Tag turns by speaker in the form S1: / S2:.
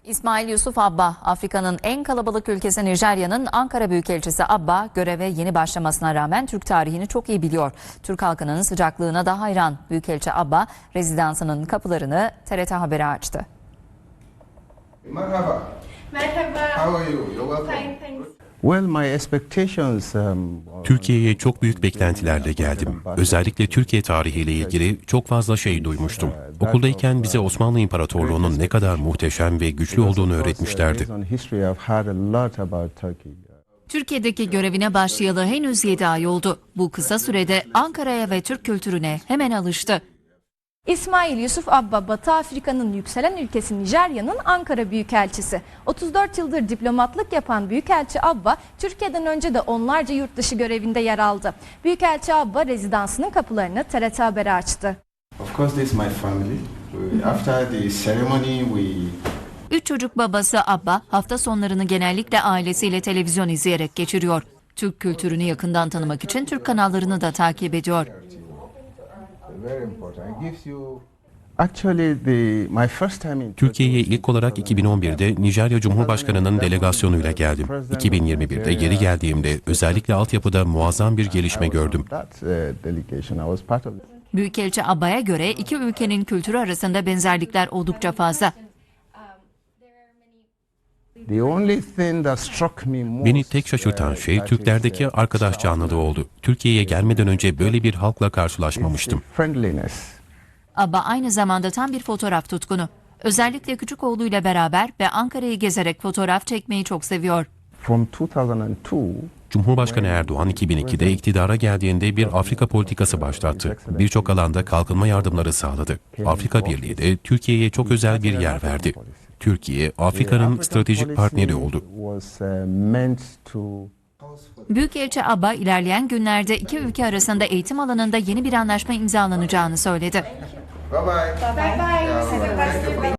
S1: İsmail Yusuf Abba, Afrika'nın en kalabalık ülkesi Nijerya'nın Ankara Büyükelçisi Abba, göreve yeni başlamasına rağmen Türk tarihini çok iyi biliyor. Türk halkının sıcaklığına da hayran. Büyükelçi Abba, rezidansının kapılarını TRT Haber'e açtı.
S2: Merhaba.
S3: Merhaba.
S2: How are you? You're welcome.
S3: Fine, thanks.
S4: Well, my expectations.
S5: Türkiye'ye çok büyük beklentilerle geldim. Özellikle Türkiye tarihiyle ilgili çok fazla şey duymuştum. Okuldayken bize Osmanlı İmparatorluğu'nun ne kadar muhteşem ve güçlü olduğunu öğretmişlerdi.
S1: Türkiye'deki görevine başlayalı henüz 7 ay oldu. Bu kısa sürede Ankara'ya ve Türk kültürüne hemen alıştı.
S6: İsmail Yusuf Abba, Batı Afrika'nın yükselen ülkesi Nijerya'nın Ankara Büyükelçisi. 34 yıldır diplomatlık yapan Büyükelçi Abba, Türkiye'den önce de onlarca yurt dışı görevinde yer aldı. Büyükelçi Abba, rezidansının kapılarını TRT Haber'e açtı.
S2: Of course, this is my family. After the ceremony, we
S1: 3 çocuk babası Abba, hafta sonlarını genellikle ailesiyle televizyon izleyerek geçiriyor. Türk kültürünü yakından tanımak için Türk kanallarını da takip ediyor.
S2: very important. It gives you
S4: My first time in
S5: Türkiye'ye ilk olarak 2011'de Nijerya Cumhurbaşkanı'nın delegasyonuyla geldim. 2021'de geri geldiğimde özellikle altyapıda muazzam bir gelişme gördüm.
S1: Büyükelçi Abba'ya göre iki ülkenin kültürü arasında benzerlikler oldukça fazla.
S5: Beni tek şaşırtan şey Türklerdeki arkadaş canlılığı oldu. Türkiye'ye gelmeden önce böyle bir halkla karşılaşmamıştım.
S1: Abba aynı zamanda tam bir fotoğraf tutkunu. Özellikle küçük oğluyla beraber ve Ankara'yı gezerek fotoğraf çekmeyi çok seviyor.
S5: Cumhurbaşkanı Erdoğan 2002'de iktidara geldiğinde bir Afrika politikası başlattı. Birçok alanda kalkınma yardımları sağladı. Afrika Birliği de Türkiye'ye çok özel bir yer verdi. Türkiye, Afrika'nın stratejik partneri oldu.
S1: Büyükelçi Abba ilerleyen günlerde iki ülke arasında eğitim alanında yeni bir anlaşma imzalanacağını söyledi.
S2: bye bye.
S3: Bye bye.
S2: Thank you.